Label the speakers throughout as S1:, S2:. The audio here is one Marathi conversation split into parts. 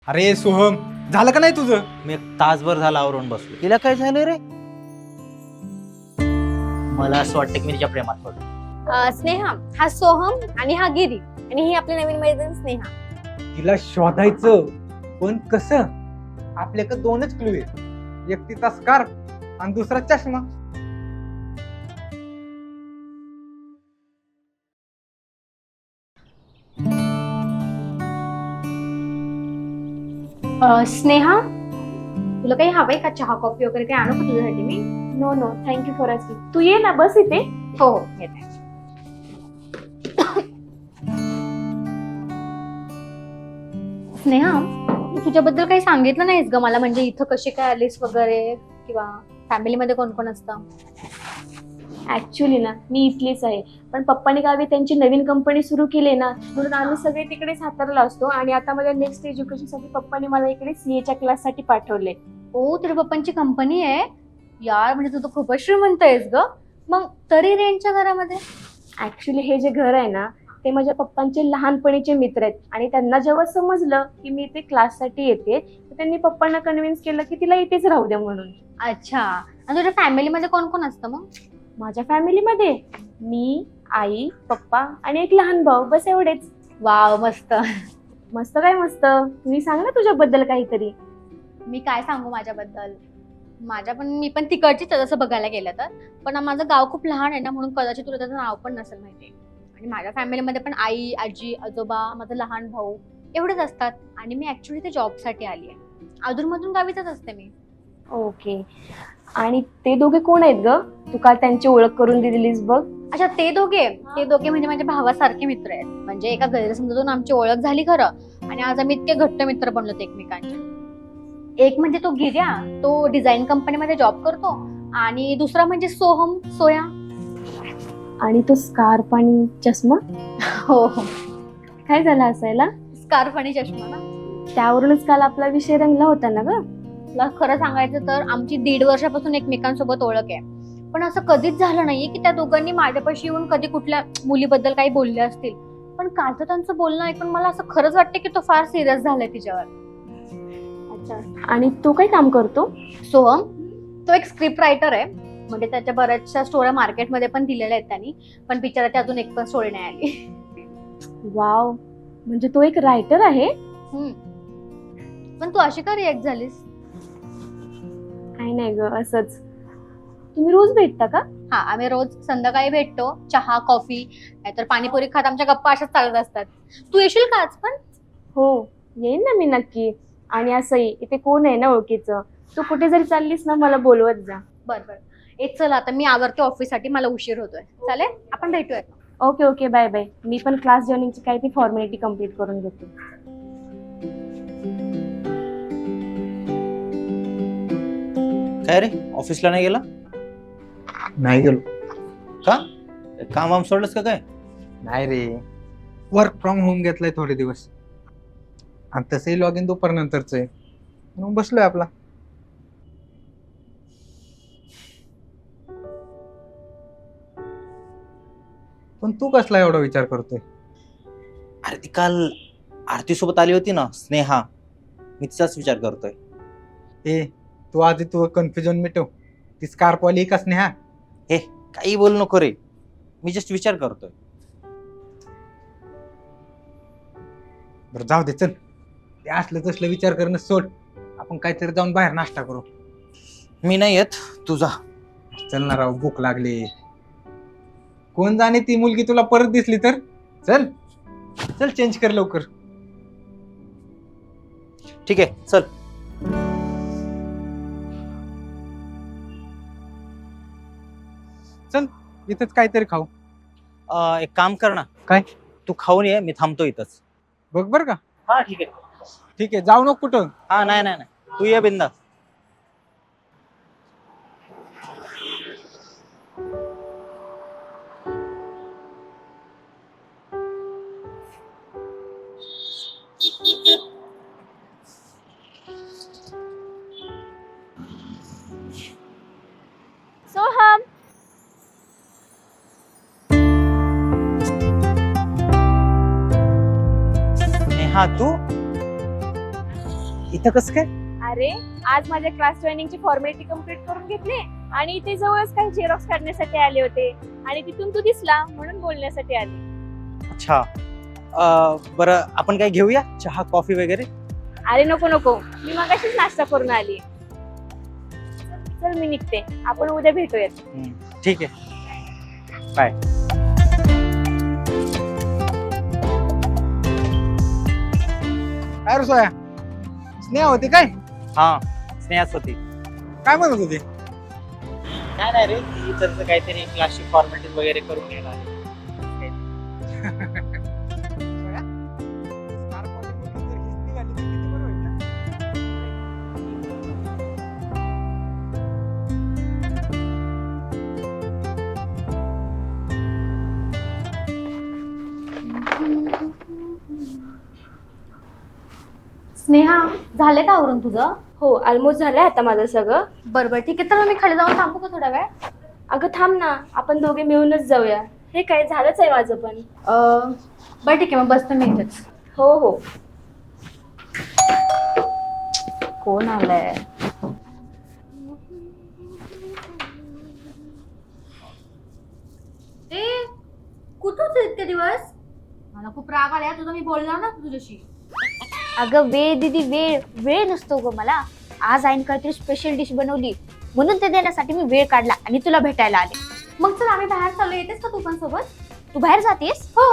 S1: अरे सोहम, झालं का नाही तुझं?
S2: मी एक तासभर झाला आवरून बसलो. तिला काय झालं रे? मला असं वाटतं की मी तिच्या प्रेमात पडलो.
S3: स्नेहा, हा सोहम आणि हा गिरी आणि ही आपली नवीन मैत्रीण स्नेहा.
S1: तिला शोधायचं, पण कसं? आपल्याकडे दोनच क्लू आहेत, एक तिचा स्कार्फ आणि दुसरा चष्मा.
S3: स्नेहा, तुला काही हवंय का? चहा कॉफी वगैरे काही आणू का तुझ्यासाठी मी?
S4: No no, thank you for asking. तू ये ना, बस इथे.
S3: हो हो येते. स्नेहा, तुझ्याबद्दल काही सांगितलं नाहीस ग मला, म्हणजे इथं कशी काय आलीस वगैरे, किंवा फॅमिलीमध्ये कोण कोण असतं?
S4: ऍक्च्युली ना, मी इथलीच आहे, पण पप्पानी गावी त्यांची नवीन कंपनी सुरू केली ना, म्हणून आम्ही सगळे तिकडे सातारला असतो. आणि आता माझ्या नेक्स्ट एज्युकेशनसाठी पप्पानी मला इकडे सीएच्या क्लाससाठी पाठवले.
S3: ओ, तुझ्या पप्पांची कंपनी आहे यार, म्हणजे तू तर खूपच श्रीमंत आहेस ग. मग तरी रेंटच्या घरामध्ये?
S4: ऍक्च्युली हे जे घर आहे ना, ते माझ्या पप्पांचे लहानपणीचे मित्र आहेत. आणि त्यांना जेव्हा समजलं की मी इथे क्लाससाठी येते, तर त्यांनी पप्पांना कन्व्हिन्स केलं की तिला इथेच राहू द्या म्हणून.
S3: अच्छा, आणि तुझ्या फॅमिलीमध्ये कोण कोण असतं मग?
S4: माझ्या फॅमिलीमध्ये मी, आई, पप्पा आणि एक लहान भाऊ, बस एवढेच.
S3: वाव, मस्त.
S4: मस्त काय मस्त, तुम्ही सांग ना तुझ्याबद्दल काहीतरी.
S3: मी काय सांगू माझ्याबद्दल? मी पण तिकडचीच आहे तसं बघायला गेलं तर. पण माझं गाव खूप लहान आहे ना, म्हणून कदाचित तुला त्याचं नाव पण नसेल माहिती. आणि माझ्या फॅमिलीमध्ये पण आई, आजी, आजोबा, माझा लहान भाऊ एवढेच असतात. आणि मी ऍक्च्युली ते जॉबसाठी आली आहे. अधूनमधून गावीतच असते मी.
S4: ओके. आणि ते दोघे कोण आहेत ग? तू काल त्यांची ओळख करून दिलीस बघ.
S3: अच्छा, ते दोघे म्हणजे माझ्या भावासारखे मित्र आहेत. म्हणजे एका गैरसमजातून आमची ओळख झाली खरं, आणि आज आम्ही इतके घट्ट मित्र बनलो एकमेकांचे. एक म्हणजे तो गिर्या, तो डिझाईन कंपनीमध्ये जॉब करतो. आणि दुसरा म्हणजे सोहम, सोया.
S4: आणि तो स्कार्फ आणि चष्मा?
S3: हो हो,
S4: काय झालं असायला?
S3: स्कार्फ आणि चष्मा ना.
S4: त्यावरूनच काल आपला विषय रंगला होता ना ग.
S3: तुला खरं सांगायचं तर आमची 1.5 वर्षापासून एकमेकांसोबत ओळख आहे. पण असं कधीच झालं नाहीये की त्या दोघांनी माझ्यापाशी येऊन कधी कुठल्या मुलीबद्दल काही बोलले असतील. पण कालचं त्यांचं बोलणं ऐकून मला असं खरंच वाटतं की तो फार सिरियस झालाय तिच्यावर.
S4: अच्छा. आणि तो काय काम करतो?
S3: सोहम, तो एक स्क्रिप्ट रायटर आहे. म्हणजे त्याच्या बऱ्याचशा स्टोऱ्या मार्केटमध्ये पण दिलेल्या आहेत त्यांनी, पण बिचाराची अजून एक पण स्टोरी नाही आली.
S4: वाव, म्हणजे तो एक रायटर आहे.
S3: पण तू अशी का रिॲक्ट झालीस?
S4: काही नाही ग, असंच. तुम्ही रोज भेटता का?
S3: हा, आम्ही रोज संध्याकाळी भेटतो. चहा, कॉफी, नाहीतर पाणीपुरी खात आमच्या गप्पा अशाच चालत असतात. तू येशील का आज पण?
S4: हो, येईन ना मी नक्की. आणि असंही इथे कोण आहे ना ओळखीचं, तू कुठे जरी चाललीस ना मला बोलवत जा.
S3: बरं. चल आता मी आवरते ऑफिससाठी, मला उशीर होतोय. चालेल, आपण भेटूया.
S4: Okay okay, bye bye. मी पण क्लास जॉईनिंगची काही ती फॉर्मॅलिटी कम्प्लीट करून घेते.
S2: काय रे, ऑफिसला नाही गेला?
S1: नाही गेलो.
S2: का? काम सोडलंस का काय?
S1: नाही रे, वर्क फ्रॉम होम घेतलाय थोडे दिवस, आणि तसंही लॉग इन दुपारनंतरच आहे, म्हणून बसलोय आपला. पण तू कसला एवढा विचार करतोय?
S2: अरे ती काल आरती सोबत आली होती ना, स्नेहा. मी तिचाच विचार करतोय.
S1: ए, तू आधी तू कन्फ्युजन मिटव. ती स्कार्फ वाली का स्नेहा?
S2: हे काही बोल नको रे, मी जस्ट विचार करतोय.
S1: बरं जाऊ दे, चल. ते असलं तसलं विचार करणं सोड. आपण काहीतरी जाऊन बाहेर नाश्ता करू.
S2: मी नाही येत, तुझा.
S1: चल ना राव, भूक लागली. कोण जाणे ती मुलगी तुला परत दिसली तर. चल चल, चेंज कर लवकर.
S2: ठीक आहे, चल.
S1: चल, इथंच काहीतरी खाऊ.
S2: एक काम कर ना.
S1: काय?
S2: तू खाऊन ये, मी थांबतो इथंच.
S1: बघ बर का.
S2: हा ठीक आहे.
S1: ठीक आहे, जाऊ नको कुठं.
S2: हा नाही, तू ये बिंदास.
S4: सोहम,
S2: स्नेहा, तू इथं कसं काय?
S4: अरे आज माझ्या क्लास जॉईनिंगची फॉर्मॅलिटी कम्प्लीट करून घेतली आणि इथे जवळच काही झेरॉक्स काढण्यासाठी आले होते आणि तिथून तू दिसला म्हणून बोलण्यासाठी आले.
S2: अच्छा, बरं आपण काय घेऊया, चहा कॉफी वगैरे?
S4: अरे नको नको, मी मगाशीच नाश्ता करून आली. चल मी निघते, आपण उद्या भेटूयात.
S2: ठीक आहे, बाय.
S1: काय रे सोया, स्नेहा होती काय?
S2: हा, स्नेहाच होती.
S1: काय म्हणत होती?
S2: काय नाही रे, इथं काहीतरी क्लासची फॉर्मॅलिटी वगैरे करून घेणार.
S1: सोया, स्कारफवाली मुलगी जर हीच निघाली तर किती बरं होईल ना?
S3: स्नेहा, झाले का आवरून तुझं?
S4: हो, ऑलमोस्ट झालंय आता माझं सगळं.
S3: बरोबर, ठीक आहे. तर मग मी खाली जाऊन थांबू का थोडा वेळ?
S4: अगं थांब ना, आपण दोघे मिळूनच जाऊया. हे काय झालंच आहे माझं पण.
S3: बरं ठीक आहे, मग बसते मी इथेच.
S4: हो हो.
S3: कोण आलंय? ए, कुठं होते इतके दिवस? मला खूप राग आलाय तुझा, मी बोलणार ना तुझ्याशी.
S5: अगं वेळ दीदी, वेळ वेळ नसतो ग मला. आज आईने काहीतरी स्पेशल डिश बनवली म्हणून ते देण्यासाठी मी वेळ काढला आणि तुला भेटायला आले.
S3: मग चल आम्ही बाहेर चाललो, येतेस का तू पण सोबत?
S5: तू बाहेर जातेस?
S3: हो.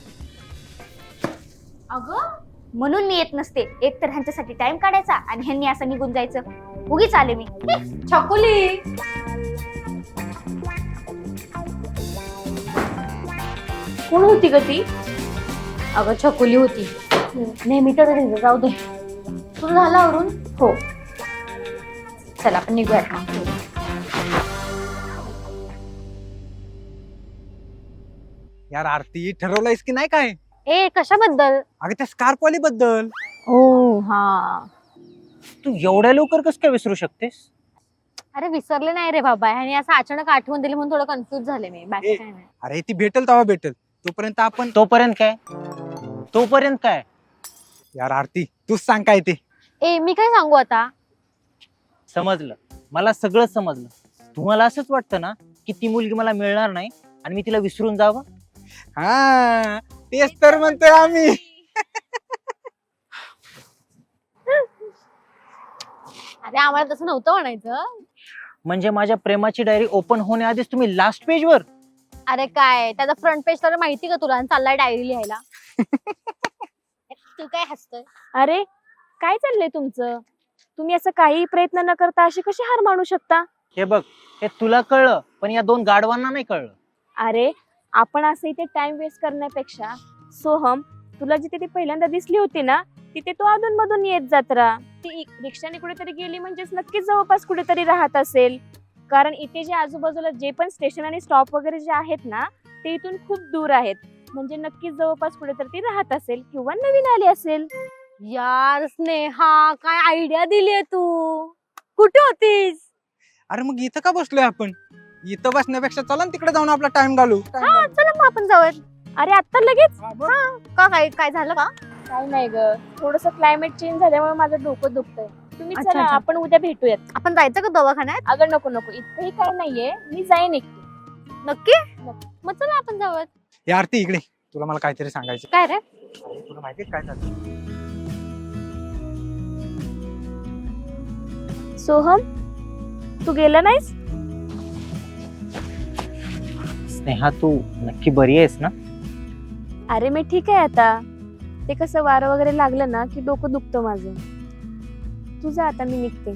S3: अगं
S5: म्हणून मी येत नसते. एक तर ह्यांच्यासाठी टाइम काढायचा आणि ह्यांनी असं निघून जायचं. उगीच आले मी.
S3: छकुली,
S4: कोण होती ग ती?
S3: अगं छकुली होती. नेहमी तर जाऊ दे. तुझं झालं आवरून?
S4: हो.
S3: चल आपण निघूयात मग.
S1: यार आरती, ठरवलंयस की नाही काय?
S3: ए, कशाबद्दल?
S1: अगं त्या स्कार्फवाली बद्दल.
S3: ओ हा.
S2: तू एवढ्या लवकर कसं काय विसरू शकतेस?
S3: अरे विसरले नाही रे बाबा, आणि असं अचानक आठवण दिली म्हणून थोडं कन्फ्युज झाले मी. बाकी काय नाही.
S1: अरे ती भेटेल तेव्हा भेटेल, तोपर्यंत आपण.
S2: तोपर्यंत काय? तोपर्यंत काय?
S1: यार आरती, तूच सांग काय ते.
S3: ए, मी काय सांगू आता?
S2: समजलं, मला सगळं समजलं. तुम्हाला असंच वाटतं ना की ती मुलगी मला मिळणार नाही आणि मी तिला विसरून जावं?
S1: हा, तेच तर म्हणतोय आम्ही.
S3: अरे आम्हाला तसं नव्हतं म्हणायचं.
S2: म्हणजे माझ्या प्रेमाची डायरी ओपन होण्याआधीच तुम्ही लास्ट पेजवर?
S3: अरे काय, त्याचा फ्रंट पेज तर माहिती का तुला? आणि चाललाय डायरी लिहायला. तू काय हसतोय?
S4: अरे काय चाललंय तुमचं? तुम्ही असं काही प्रयत्न न करता अशी कशी हार मानू शकता?
S2: हे बघ, हे तुला कळलं पण या दोन गाढवांना नाही कळलं.
S4: अरे आपण असं इथे टाइम वेस्ट करण्यापेक्षा सोहम, तुला जिथे ती पहिल्यांदा दिसली होती ना, तिथे तो अधून मधून येत जात राहा. ती रिक्षाने कुठेतरी गेली म्हणजेच नक्कीच जवळपास कुठेतरी राहत असेल. कारण इथे जे आजूबाजूला जे पण स्टेशन आणि स्टॉप वगैरे जे आहेत ना, ते इथून खूप दूर आहेत. म्हणजे नक्कीच जवळपास कुठेतरी ती राहत असेल किंवा नवीन आली असेल.
S3: यार स्नेहा, काय आयडिया दिलीये तू. कुठे होतीस?
S1: अरे मग इथं का बसलोय आपण? इथं बसण्यापेक्षा चला ना तिकडे जाऊन आपला टाइम घालू.
S3: हा, चला मग आपण जाऊयात.
S4: अरे आता लगेच?
S3: का काय काय झालं का?
S4: काय नाही ग, थोडस क्लायमेट चेंज झाल्यामुळे माझं डोकं दुखतंय. तुम्ही
S3: अच्छा,
S4: चला,
S3: अच्छा.
S4: आपण उद्या भेटूयात.
S3: आपण जायचं का दवाखान्यात?
S4: अगं नको नको, इतकंही काय नाहीये, मी जाईन एकटी.
S3: नक्की? मग चला आपण जाऊयात.
S1: हे आरती इकडे, तुला मला काहीतरी सांगायचं.
S3: काय रे?
S1: तुला माहितीये काय झालं?
S4: सोहम, तू गेला नाहीस?
S2: स्नेहा, तू नक्की बरी आहेस ना?
S4: अरे मी ठीक आहे आता. ते कसं वारं वगैरे लागलं ना की डोकं दुखतं माझं. तू जा आता, मी निघते.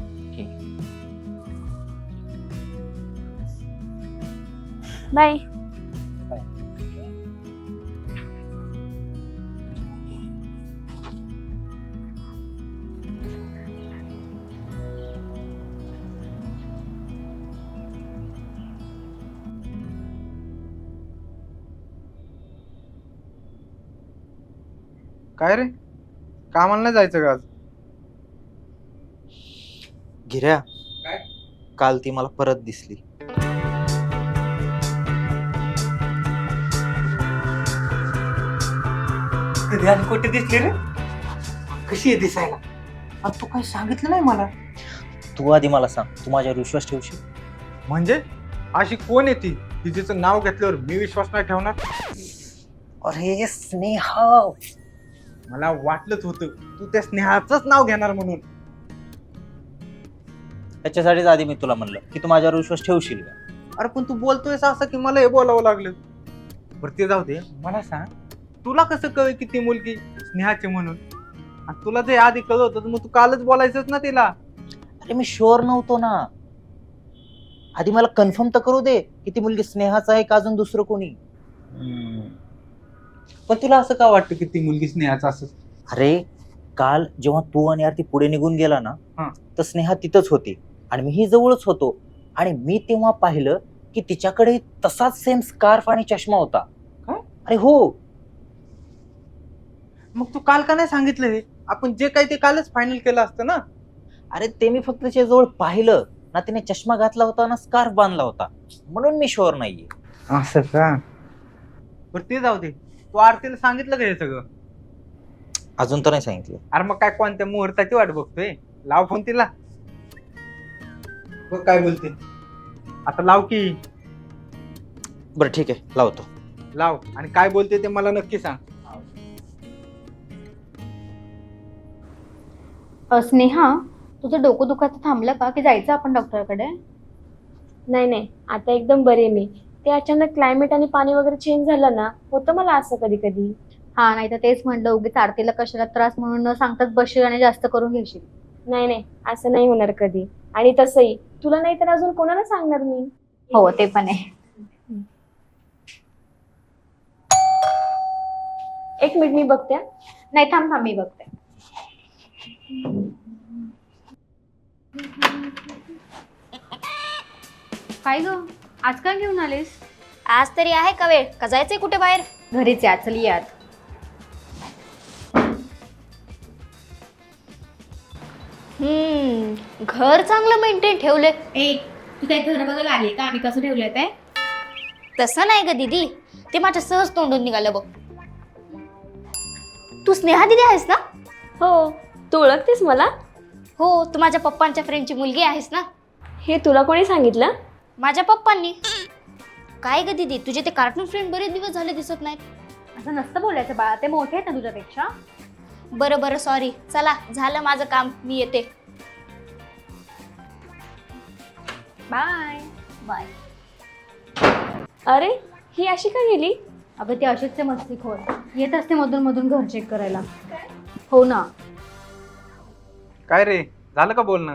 S4: बाय.
S1: काय रे, कामाला नाही जायचं का आज?
S2: गिऱ्या,
S1: काय?
S2: काल ती मला परत दिसली.
S1: कधी आणि कुठे दिसली रे? कशी आहे दिसायला? तू काही सांगितलं नाही मला.
S2: तू आधी मला सांग, तू माझ्यावर विश्वास ठेवशील?
S1: म्हणजे अशी कोण आहे ती की जिचं नाव घेतल्यावर मी विश्वास नाही ठेवणार?
S2: अरे स्नेहा,
S1: मला वाटलंच होतं तू त्या स्नेहाचंच नाव घेणार म्हणून.
S2: त्याच्यासाठीच आधी मी तुला म्हणलं की तू माझ्यावर विश्वास ठेवशील का.
S1: अरे पण तू बोलतोयस असं की मला हे बोलावं लागलं. बरं ते जाऊ दे, मला सांग तुला कसं कळलं की ती मुलगी स्नेहाची म्हणून? आणि तुला जे आधी कळलं होतं तर मग तू कालच बोलायचंच ना तिला.
S2: अरे मी शुअर नव्हतो ना, आधी मला कन्फर्म तर करू दे की ती मुलगी स्नेहाच आहे का अजून दुसरं कोणी.
S1: पण तुला असं का वाटतं की ती मुलगी स्नेहाचं असं?
S2: अरे काल जेव्हा तू आणि आरती पुढे निघून गेला ना, तर स्नेहा तिथंच होती आणि मीही जवळच होतो. आणि मी तेव्हा पाहिलं की तिच्याकडे तसाच सेम स्कार्फ आणि चष्मा होता.
S1: काय?
S2: अरे हो.
S1: मग तू काल का नाही सांगितलं हे? आपण जे काही ते कालच फायनल केलं असतं ना.
S2: अरे ते मी फक्त तिच्या जवळ पाहिलं ना, तिने चष्मा घातला होता ना स्कार्फ बांधला होता, म्हणून मी शुअर नाहीये.
S1: असं का? बरं ते जाऊ दे, तू आरतीला सांगितलं का हे सगळं?
S2: अजून तर नाही सांगितलं.
S1: अरे मग काय कोणत्या मुहूर्ताची वाट बघतोय? लाव फोन तिला. बघ काय बोलते आता. लाव की.
S2: बरं ठीक आहे, लावतो.
S1: लाव आणि काय बोलते ते मला नक्की सांग.
S3: स्नेहा, तुझं डोकं दुखायचं थांबलं का की जायचं आपण डॉक्टरकडे?
S4: नाही नाही, आता एकदम बरे मी. ते अचानक क्लायमेट आणि पाणी वगैरे चेंज झालं ना, होतं मला असं कधी कधी.
S3: हा, नाही तर तेच म्हणलं उगीच आरतीला कशाला त्रास म्हणून न सांगताच बसशील आणि जास्त करून घेशील.
S4: नाही नाही, असं नाही होणार कधी. आणि तसंही तुला नाही तर अजून कोणाला सांगणार मी.
S3: हो ते पण आहे.
S4: एक मिनिट मी बघते.
S3: नाही थांब थांब, मी बघते. काय ग, आज काय घेऊन आलीस?
S5: आज तरी आहे का वेळ का जायचंय कुठे बाहेर?
S3: घरीच या, चल यात.
S5: घर चांगलं मेंटेन ठेवले.
S3: ए, तू काय घर बघायला आली का आम्ही कसं ठेवलंय ते?
S5: तसं नाही ग दीदी, ते माझ्या सहज तोंडून निघालं बघ. तू स्नेहा दीदी आहेस ना?
S4: हो, तू ओळखतेस मला?
S5: हो, तू माझ्या पप्पांच्या फ्रेंडची मुलगी आहेस ना?
S4: हे तुला कोणी सांगितलं?
S5: माझ्या पप्पांनी. काय ग दीदी, तुझे ते कार्टून फ्रेंड बरेच दिवस झाले दिसत नाहीत.
S3: असं नसतं बोलायचं बाळा, ते मोठे आहेत ना तुझ्यापेक्षा.
S5: बरं बरं, सॉरी. चला, झालं माझं काम, मी येते.
S3: Bye
S5: bye.
S4: अरे, ही अशी का गेली?
S3: अगं ती अशीच ते मस्तीखोर येत असते मधून मधून घर चेक करायला. हो ना.
S1: काय रे, झालं का बोलणं?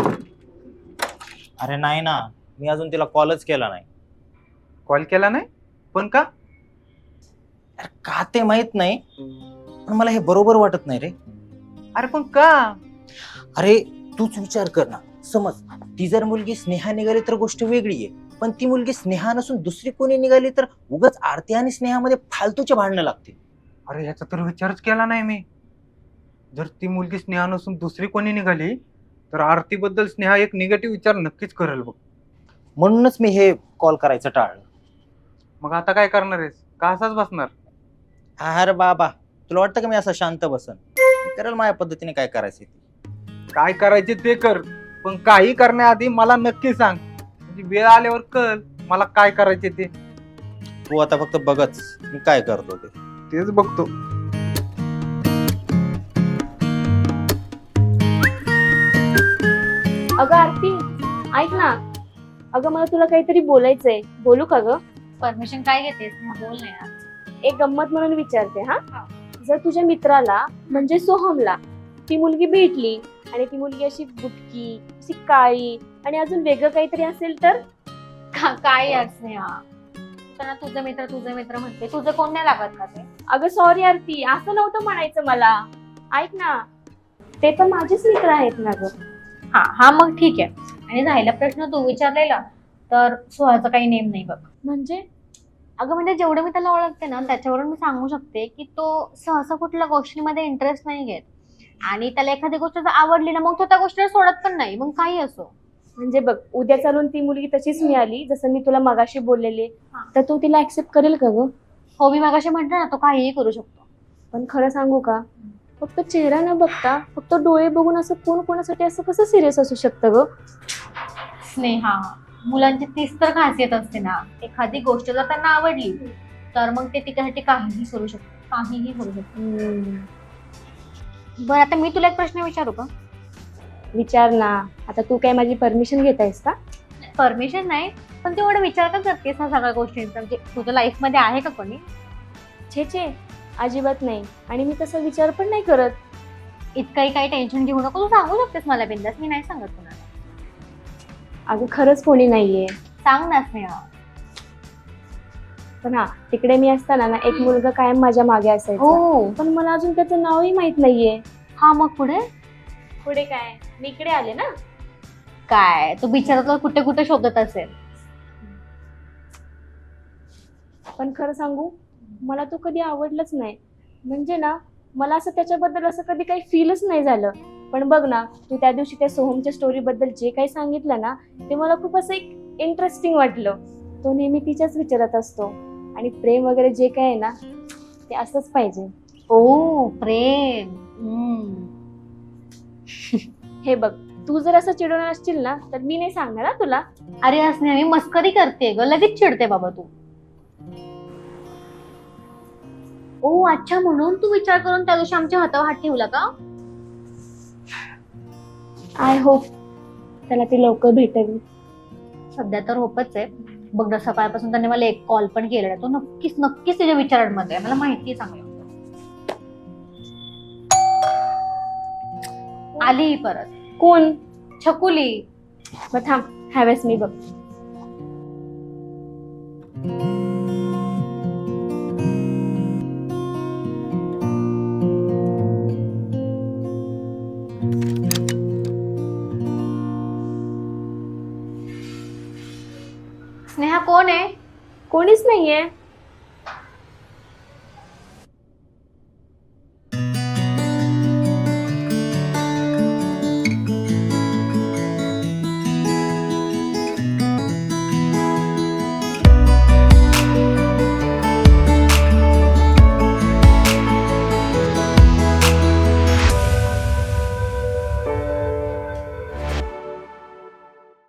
S2: अरे नाही ना, मी अजून तिला कॉलच केला नाही.
S1: कॉल केला नाही? पण का?
S2: अरे का ते माहित नाही, पण मला हे बरोबर वाटत नाही रे.
S1: अरे पण का?
S2: अरे तूच विचार कर ना. समज ती जर मुलगी स्नेहा निघाली तर गोष्ट वेगळी आहे, पण ती मुलगी स्नेहा नसून दुसरी कोणी निघाली तर उगाच आरती आणि स्नेहामध्ये फालतूचे भांडणं लागतील.
S1: अरे ह्याचा तर विचारच केला नाही मी. जर ती मुलगी स्नेहा नसून दुसरी कोणी निघाली तर आरतीबद्दल स्नेहा एक निगेटिव्ह विचार नक्कीच करेल बघ.
S2: म्हणूनच मी हे कॉल करायचं टाळलं.
S1: मग आता काय करणार आहेस? का असाच बसणार?
S2: अरे बाबा, तुला वाटतं का मी असं शांत बसन? मी करेल माझ्या पद्धतीने काय करायचं ते.
S1: काय करायचे ते कर, पण काही करण्याआधी मला नक्की सांग, म्हणजे वेळ आल्यावर कळ मला काय करायचे ते.
S2: तू आता फक्त बघच मी काय करतो ते.
S1: तेच बघतो.
S4: अगं आरती, ऐक ना. अगं मला तुला काहीतरी बोलायचंय. बोलू का ग?
S3: परमिशन काय घेतेस? बोल ना यार.
S4: एक गंमत म्हणून विचारते. हा, जर तुझ्या मित्राला म्हणजे सोहमला ती मुलगी भेटली आणि ती मुलगी अशी बुटकी, अशी काळी आणि अजून वेगळं काहीतरी असेल तर?
S3: काय यार स्नेहा, त्यांना तुझं मित्र म्हणते, तुझं कोण नाही लागत का ते?
S4: अगं सॉरी आरती, असं नव्हतं म्हणायचं मला. ऐक ना, ते पण माझेच मित्र आहेत ना ग.
S3: हा मग ठीक आहे. आणि राहिला प्रश्न तू विचारलेला तर सोहाचा काही नेम नाही बघ.
S4: म्हणजे?
S3: अगं म्हणजे जेवढं मी त्याला ओळखते ना त्याच्यावरून मी सांगू शकते की तो सहसा कुठल्या गोष्टीमध्ये इंटरेस्ट नाही घेत, आणि त्याला एखादी गोष्ट जर आवडली ना मग तो त्या गोष्टीला सोडत पण नाही, मग काही असो.
S4: म्हणजे बघ, उद्या चालून ती मुलगी तशीच मिळाली जसं मी तुला मगाशी बोललेले, तर तू तिला ऍक्सेप्ट करेल का ग?
S3: हो, मी मगाशी म्हटलं ना तो काहीही करू शकतो.
S4: पण खरं सांगू का, फक्त चेहरा न बघता फक्त डोळे बघून असं कोण कोणासाठी असं कसं सिरियस असू शकतं ग?
S3: स्नेहा, मुलांची तीच तर खासियत असते ना, एखादी गोष्ट जर त्यांना आवडली तर मग ते तिच्यासाठी काहीही करू शकतात, काहीही करू शकतात. बरं, आता मी तुला एक प्रश्न विचारू का?
S4: विचार ना. आता तू काय माझी परमिशन घेत आहेस का?
S3: परमिशन नाही, पण तेवढं विचार का करतेस ह्या सगळ्या गोष्टींचा? म्हणजे तुझ्या लाईफ मध्ये आहे का कोणी?
S4: छे अजिबात नाही. आणि मी तसा विचार पण नाही करत.
S3: इतकंही काही टेन्शन घेऊ नको, तू सांगू शकतेस मला बिंदास, मी नाही सांगत कोणाला.
S4: अगं खरंच कोणी नाहीये.
S3: सांग ना स्नेहा.
S4: पण हा, तिकडे मी असताना ना एक मुलगा कायम माझ्या मागे असायचा.
S3: हो.
S4: पण मला अजून त्याचं नावही माहित नाहीये.
S3: हा, मग पुढे
S4: पुढे काय, मी इकडे आले ना.
S3: काय तो बिचारा तर कुठे कुठे शोधत असेल.
S4: पण खरं सांगू, मला तो कधी आवडलाच नाही. म्हणजे ना, मला असं त्याच्याबद्दल असं कधी काही फीलच नाही झालं. पण बघ ना, तू त्या दिवशी त्या सोहमच्या स्टोरी बद्दल जे काही सांगितलं ना, ते मला खूप असं एक इंटरेस्टिंग वाटलं. तो नेहमी तिच्याच विचारत असतो. आणि प्रेम वगैरे जे काय आहे ना, ते असंच पाहिजे.
S3: ओ प्रेम.
S4: हे बघ, तू जर असं चिडवणार असशील ना, तर मी नाही सांगणार ना तुला.
S3: अरे असणे, मी मस्करी करते ग, लगेच चिडते बाबा तू. ओ अच्छा, म्हणून तू विचार करून त्या दिवशी आमच्या हातावर हात ठेवला का?
S4: आय होप त्याला ती लवकर भेटेल.
S3: सध्या तर होपच आहे. बघ ना, सकाळपासून त्याने मला एक कॉल पण केलेला. तो नक्कीच नक्कीच त्याच्या विचारांमध्ये आहे, मला माहिती आहे चांगलं. आली परत.
S4: कोण?
S3: छकुली.
S4: मग थांब, ह्यावेळेस मी बघ.
S3: स्नेहा कोण आहे?
S4: कोणीच नाहीये.